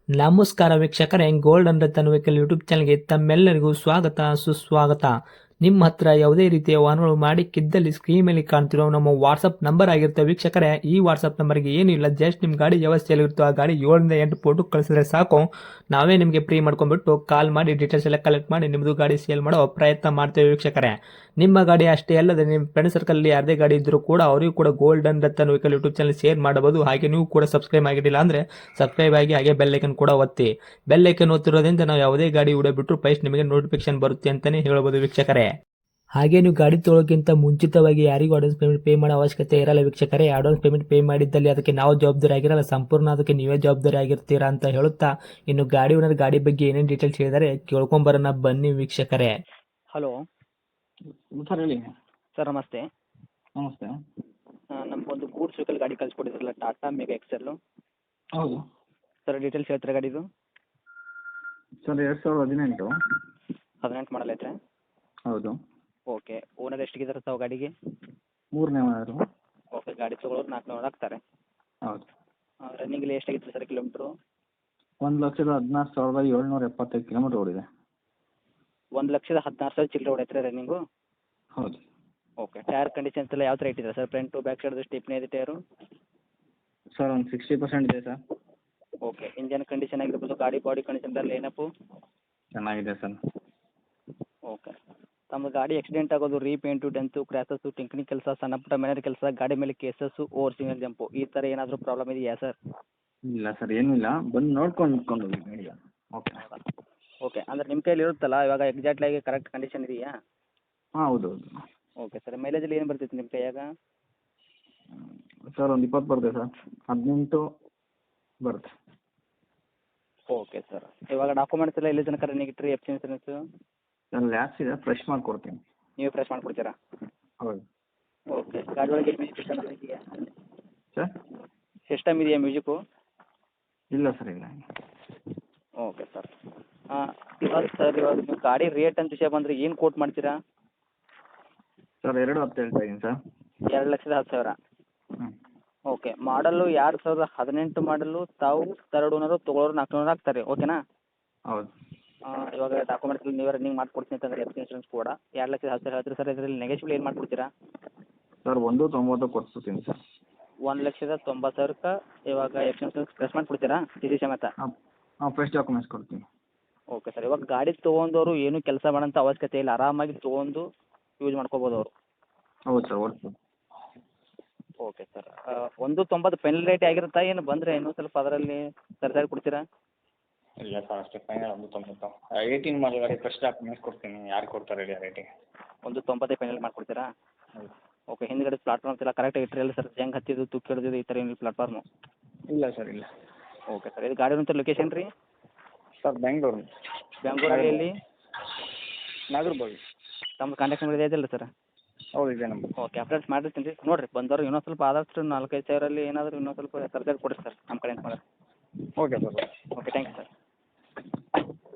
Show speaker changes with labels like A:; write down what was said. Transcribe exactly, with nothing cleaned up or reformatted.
A: ನಮಸ್ಕಾರ ವೀಕ್ಷಕರೇ, gold and Ratan vehicle YouTube ಚಾನಲ್ಗೆ ತಮ್ಮೆಲ್ಲರಿಗೂ ಸ್ವಾಗತ ಸುಸ್ವಾಗತ. ನಿಮ್ಮ ಹತ್ರ ಯಾವುದೇ ರೀತಿಯ ವಾಹನಗಳು ಮಾಡಿಕ್ಕಿದ್ದಲ್ಲಿ ಸ್ಕ್ರೀನ್ ಮೇಲೆ ಕಾಣ್ತಿರೋ ನಮ್ಮ ವಾಟ್ಸಪ್ ನಂಬರ್ ಆಗಿರುತ್ತೆ ವೀಕ್ಷಕರೇ. ಈ ವಾಟ್ಸಪ್ ನಂಬರ್ಗೆ ಏನಿಲ್ಲ, ಜಸ್ಟ್ ನಿಮ್ಮ ಗಾಡಿ ವ್ಯವಸ್ಥೆಯಲ್ಲಿರುತ್ತೋ ಆ ಗಾಡಿ ಏಳರಿಂದ ಎಂಟು ಫೋಟೋ ಕಳಿಸಿದ್ರೆ ಸಾಕು, ನಾವೇ ನಿಮಗೆ ಫ್ರೀ ಮಾಡ್ಕೊಂಡ್ಬಿಟ್ಟು ಕಾಲ್ ಮಾಡಿ ಡೀಟೇಲ್ಸ್ ಎಲ್ಲ ಕಲೆಕ್ಟ್ ಮಾಡಿ ನಿಮ್ಮದು ಗಾಡಿ ಸೇಲ್ ಮಾಡೋ ಪ್ರಯತ್ನ ಮಾಡ್ತೇವೆ ವೀಕ್ಷಕರೇ. ನಿಮ್ಮ ಗಾಡಿ ಅಷ್ಟೇ ಅಲ್ಲದೆ ನಿಮ್ಮ ಫ್ರೆಂಡ್ ಸರ್ಕಲಲ್ಲಿ ಯಾರದೇ ಗಾಡಿ ಇದ್ದರೂ ಕೂಡ ಅವರಿಗೂ ಕೂಡ gold and Ratan vehicle YouTube channel share ಮಾಡಬಹುದು. ಹಾಗೆ ನೀವು ಕೂಡ ಸಬ್ಸ್ಕ್ರೈಬ್ ಆಗಿರಲಿಲ್ಲ ಅಂದರೆ ಸಬ್ಸ್ಕ್ರೈಬ್ ಆಗಿ ಹಾಗೆ ಬೆಲ್ ಐಕನ್ ಕೂಡ ಒತ್ತಿ. ಬೆಲ್ ಐಕನ್ ಒತ್ತಿರೋದ್ರಿಂದ ನಾವು ಯಾವುದೇ ಗಾಡಿ ವಿಡಿಯೋ ಬಿಟ್ಟರು ಫಸ್ಟ್ ನಿಮಗೆ ನೋಟಿಫಿಕೇಶನ್ ಬರುತ್ತೆ ಅಂತಲೇ ಹೇಳ್ಬೋದು ವೀಕ್ಷಕರೇ. ಹಾಗೆ ನೀವು ಗಾಡಿ ತೊಳೋಕ್ಕಿಂತ ಮುಂಚಿತವಾಗಿ ಯಾರಿಗೂ ಅಡ್ವಾನ್ಸ್ ಪೇಮೆಂಟ್ ಪೇ ಮಾಡೋ ಅವಶ್ಯಕತೆ ಇರಲ್ಲ ವೀಕ್ಷಕರೇ. ಅಡ್ವಾನ್ಸ್ ಪೇಮೆಂಟ್ ಪೇ ಮಾಡಿದ್ದಲ್ಲಿ ಅದಕ್ಕೆ ನಾವು ಜವಾಬ್ದಾರಿ ಆಗಿರಲ್ಲ, ಸಂಪೂರ್ಣ ಅದಕ್ಕೆ ನೀವೇ ಜವಾಬ್ದಾರಿ ಆಗಿರ್ತೀರಾ ಅಂತ ಹೇಳುತ್ತಾ, ಇನ್ನು ಗಾಡಿ ಓನರ್ ಗಾಡಿ ಬಗ್ಗೆ ಏನೇನು ಡೀಟೇಲ್ಸ್ ಹೇಳಿದರೆ ಕೇಳ್ಕೊಂಬರೋಣ ಬನ್ನಿ ವೀಕ್ಷಕರೇ.
B: ಹಲೋ
C: ಸರ್ ಹೇಳಿ.
B: ಸರ್ ನಮಸ್ತೆ.
C: ನಮಸ್ತೆ.
B: ನಮಗೊಂದು ಗೂಡ್ಸ್ ವೆಹಿಕಲ್ ಗಾಡಿ ಕಳಿಸ್ಕೊಟ್ಟಿದ್ರಲ್ಲ, ಟಾಟಾ ಮೆಗಾ ಎಕ್ಸೆಲ್ಲು.
C: ಹೌದು
B: ಸರ್ ಡೀಟೇಲ್ಸ್ ಹೇಳ್ತೀರಾ ಗಾಡಿದು?
C: ಸರ್ ಎರಡು ಸಾವಿರದ ಹದಿನೆಂಟು.
B: ಹದಿನೆಂಟು ಮಾಡಲ್ ಐತೆ.
C: ಹೌದು.
B: ಓಕೆ, ಓನರ್ ಎಷ್ಟಿಗಿದ್ದಾರೆ ತಾವು ಗಾಡಿಗೆ?
C: ಮೂರನೇ ವಾರ.
B: ಓಕೆ, ಗಾಡಿ ತೊಗೊಳೋರು ನಾಲ್ಕುನೂರು ಹಾಕ್ತಾರೆ.
C: ಹೌದು.
B: ರನ್ನಿಂಗಲ್ಲಿ ಎಷ್ಟಾಗಿತ್ತು ಸರ್ ಕಿಲೋಮೀಟ್ರು?
C: ಒಂದು ಲಕ್ಷದ ಹದಿನಾರು ಸಾವಿರದ ಏಳ್ನೂರ ಎಪ್ಪತ್ತೈದು ಕಿಲೋಮೀಟ್ರ್ ಓಡಿದೆ.
B: ಒಂದು ಲಕ್ಷದ ಹದಿನಾರು ಸಾವಿರ ಚಿಲ್ಲರೆ ಹೊಡೈತ್ರಿ ರನ್ನಿಂಗು?
C: ಹೌದು.
B: ಓಕೆ, ಟೈರ್ ಕಂಡೀಷನ್ಸ್ ಎಲ್ಲ ಯಾವ ಥರ ಇಟ್ಟಿದೆ ಸರ್? ಫ್ರಂಟು ಬ್ಯಾಕ್ ಸೈಡ್ದು ಸ್ಟಿಪ್ನೇ ಇದೆ ಟೈರು?
C: ಸರ್ ಒಂದು ಸಿಕ್ಸ್ಟಿ ಪರ್ಸೆಂಟ್ ಇದೆ ಸರ್.
B: ಓಕೆ, ಇಂಜನ್ ಕಂಡೀಷನ್ ಆಗಿರ್ಬೋದು, ಗಾಡಿ ಬಾಡಿ ಕಂಡೀಷನ್ ಎಲ್ಲ ಏನಪ್ಪು?
C: ಚೆನ್ನಾಗಿದೆ ಸರ್.
B: ಓಕೆ, ತಮ್ಮ ಗಾಡಿ ಆಕ್ಸಿಡೆಂಟ್ ಆಗೋದು, ರೀಪೇಂಟು, ಡೆಂತು, ಕ್ರ್ಯಾಸಸ್ಸು, ಟಿಂಕನಿ ಕೆಲಸ, ಸಣ್ಣ ಪುಟ್ಟ ಮನೆಯ ಕೆಲಸ, ಗಾಡಿ ಮೇಲೆ ಕೇಸಸ್ಸು, ಓವರ್ ಸಿಂಗಲ್ ಜಂಪು, ಈ ಥರ ಏನಾದರೂ ಪ್ರಾಬ್ಲಮ್ ಇದೆಯಾ ಸರ್?
C: ಇಲ್ಲ ಸರ್, ಏನೂ ಇಲ್ಲ. ಬಂದು ನೋಡ್ಕೊಂಡು ನಿಂತ್ಕೊಂಡು ಹೋಗಿ ಗಾಡಿಯ. ಓಕೆ.
B: ಓಕೆ, ಅಂದರೆ ನಿಮ್ಮ ಕೈಯಲ್ಲಿ ಇರುತ್ತಲ್ಲ ಇವಾಗ ಎಕ್ಸಾಕ್ಟ್ಲಾಗಿ ಕರೆಕ್ಟ್ ಕಂಡೀಷನ್ ಇದೆಯಾ?
C: ಹಾಂ ಹೌದು ಹೌದು.
B: ಓಕೆ ಸರ್, ಮೈಲೇಜಲ್ಲಿ ಏನು ಬರ್ತಿತ್ತು ನಿಮ್ಮ ಕೈಯಾಗ?
C: ಸರ್ ಒಂದು ಇಪ್ಪತ್ತು ಬರುತ್ತೆ ಸರ್. ಹದಿನೆಂಟು ಬರುತ್ತೆ.
B: ಓಕೆ ಸರ್, ಇವಾಗ ಡಾಕ್ಯುಮೆಂಟ್ಸ್ ಎಲ್ಲ ಎಲ್ಲಿ ತನಕ ರನ್ನಿಂಗ್ ಇಟ್ಟಿರಿ? F C insurance
C: sir lapse ಇದೆ, ಫ್ರೆಶ್ ಮಾಡಿಕೊಡ್ತೀನಿ.
B: ನೀವು ಫ್ರೆಶ್ ಮಾಡಿಕೊಡ್ತೀರಾ?
C: ಹೌದು.
B: ಓಕೆ, ಗಾಡಿ ಒಳಗೆ ಮ್ಯೂಸಿಕ್ ಸಿಸ್ಟಮ್ ಇದೆಯಾ
C: ಸರ್?
B: ಸಿಸ್ಟಮ್ ಇದೆಯಾ ಮ್ಯೂಸಿಕ್ಕು?
C: ಇಲ್ಲ ಸರ್, ಇಲ್ಲ.
B: Okay sir. ಇವಾಗ ಸರ್, ಇವಾಗ ನೀವು ಗಾಡಿ ರೇಟ್ ಅಂತ ವಿಷಯ ಬಂದರೆ ಏನು ಕೋಟ್ ಮಾಡ್ತೀರಾ?
C: ಸರ್ ಎರಡು ಹತ್ತು ಹೇಳ್ತಾ ಇದ್ದೀನಿ ಸರ್.
B: ಎರಡು ಲಕ್ಷದ ಹತ್ತು ಸಾವಿರ.
C: ಹ್ಞೂ.
B: ಓಕೆ, ಮಾಡಲ್ಲು ಎರಡು ಸಾವಿರದ ಹದಿನೆಂಟು ಮಾಡಲು, ತಾವು ತರ್ಡ್ ಓನರು, ತೊಗೊಳೋರು ನಾಲ್ಕುನೂರು ಹಾಕ್ತಾರೆ. ಓಕೆನಾ?
C: ಹೌದು.
B: ಇವಾಗ ಡಾಕ್ಯುಮೆಂಟ್ಸ್ ನೀವೇ ರನ್ನಿಂಗ್ ಮಾಡ್ಕೊಡ್ತೀನಿ ಅಂತಂದರೆ ಎಫ್ ಸಿ ಇನ್ಸೂರೆನ್ಸ್ ಕೂಡ ಎರಡು ಲಕ್ಷದ ಹತ್ತು ಸಾವಿರ ಹೇಳ್ತೀರಿ ಸರ್. ಇದರಲ್ಲಿ ನೆಗೆಶ್ಬಲ್ ಏನು ಮಾಡ್ಕೊಡ್ತೀರಾ?
C: ಸರ್ ಒಂದು ತೊಂಬತ್ತು ಕೊಡ್ತೀನಿ ಸರ್.
B: ಒಂದು ಲಕ್ಷದ ತೊಂಬತ್ತು ಸಾವಿರಕ್ಕೆ ಇವಾಗ ಎಫ್ ಸಿ ಇನ್ಸೂರೆನ್ಸ್ ಪ್ರೆಸ್ ಮಾಡಿಕೊಡ್ತೀರಾ ಟಿ ಸಿ ಸಮೇತ?
C: ಹಾಂ ಹಾಂ, ಫ್ರೆಶ್ ಡಾಕ್ಯುಮೆಂಟ್ಸ್ ಕೊಡ್ತೀನಿ.
B: ಓಕೆ ಸರ್, ಇವಾಗ ಗಾಡಿ ತೊಗೊಂಡವರು ಏನು ಕೆಲಸ ಮಾಡೋಂಥ ಅವಶ್ಯಕತೆ ಇಲ್ಲ, ಆರಾಮಾಗಿ ತೊಗೊಂಡು ಯೂಸ್ ಮಾಡ್ಕೋಬೋದು ಅವರು.
C: ಹೌದು ಸರ್, ಓಡಿಸ್ಬೋದು.
B: ಓಕೆ ಸರ್, ಒಂದು ತೊಂಬತ್ತು ಫೈನಲ್ ರೇಟ್ ಆಗಿರುತ್ತಾ, ಏನು ಬಂದರೆ ಇನ್ನೂ ಸ್ವಲ್ಪ ಅದರಲ್ಲಿ ಸರಿಸಾರಿ ಕೊಡ್ತೀರಾ?
C: ಇಲ್ಲ ಸರ್, ಅಷ್ಟೇ ಫೈನಲ್ ಒಂದು ತೊಂಬತ್ತು. ಏಯ್ಟೀನ್ ಮಾಡಲ್ ಗಾಡಿ ಫ್ರೆಶ್ ಡಾಕ್ಯುಮೆಂಟ್ಸ್ ಕೊಡ್ತೀನಿ. ಯಾರು ಕೊಡ್ತಾರೆ ಹೇಳಿ ಆ ರೇಟಿಗೆ?
B: ಒಂದು ತೊಂಬತ್ತೇ ಫೈನಲ್ ಮಾಡಿಕೊಡ್ತೀರಾ?
C: ಹೌದು.
B: ಓಕೆ, ಹಿಂದ್ಗಡೆ ಪ್ಲಾಟ್ಫಾರ್ಮ್ಸ್ ಎಲ್ಲ ಕರೆಕ್ಟಾಗಿ ಇಟ್ಟಿರಲ್ಲ ಸರ್? ಜಂಗ್ ಹತ್ತಿದ್ದು, ತುಕ್ಕು ಹಿಡಿದಿದ್ದು, ಈ ಥರ ಏನಿಲ್ಲ ಪ್ಲಾಟ್ಫಾರ್ಮು?
C: ಇಲ್ಲ ಸರ್, ಇಲ್ಲ.
B: ಓಕೆ ಸರ್, ಇದು ಗಾಡಿ ಅಂತ ಲೊಕೇಶನ್ ರೀ?
C: ಸರ್ ಬೆಂಗಳೂರು.
B: ಬೆಂಗಳೂರಲ್ಲಿ ಎಲ್ಲಿ?
C: ನಾಗರಬಾವಿ.
B: ತಮ್ಮ ಕಾಂಟ್ಯಾಕ್ಟ್ ನಂಬರ್ ಇದೆ ಇಲ್ಲ ಸರ್?
C: ಹೌದು, ಇದೆ ನಂಬರ್.
B: ಓಕೆ, ಅಪ್ಡೇಟ್ಸ್ ಮಾಡಿರ್ತೀನಿ ರೀ. ನೋಡಿರಿ ಬಂದವರು ಇನ್ನೊಂದು ಸ್ವಲ್ಪ ಆದಷ್ಟು ನಾಲ್ಕೈದು ಸಾವಿರಲ್ಲಿ ಏನಾದರೂ ಇನ್ನೊಂದು ಸ್ವಲ್ಪ ಸರ್ಜರಿ ಕೊಡಿರಿ ಸರ್ ನಮ್ಮ ಕಡೆಯಿಂದ ಮಾಡಿರಿ.
C: Okay sir.
B: Okay, thank you sir.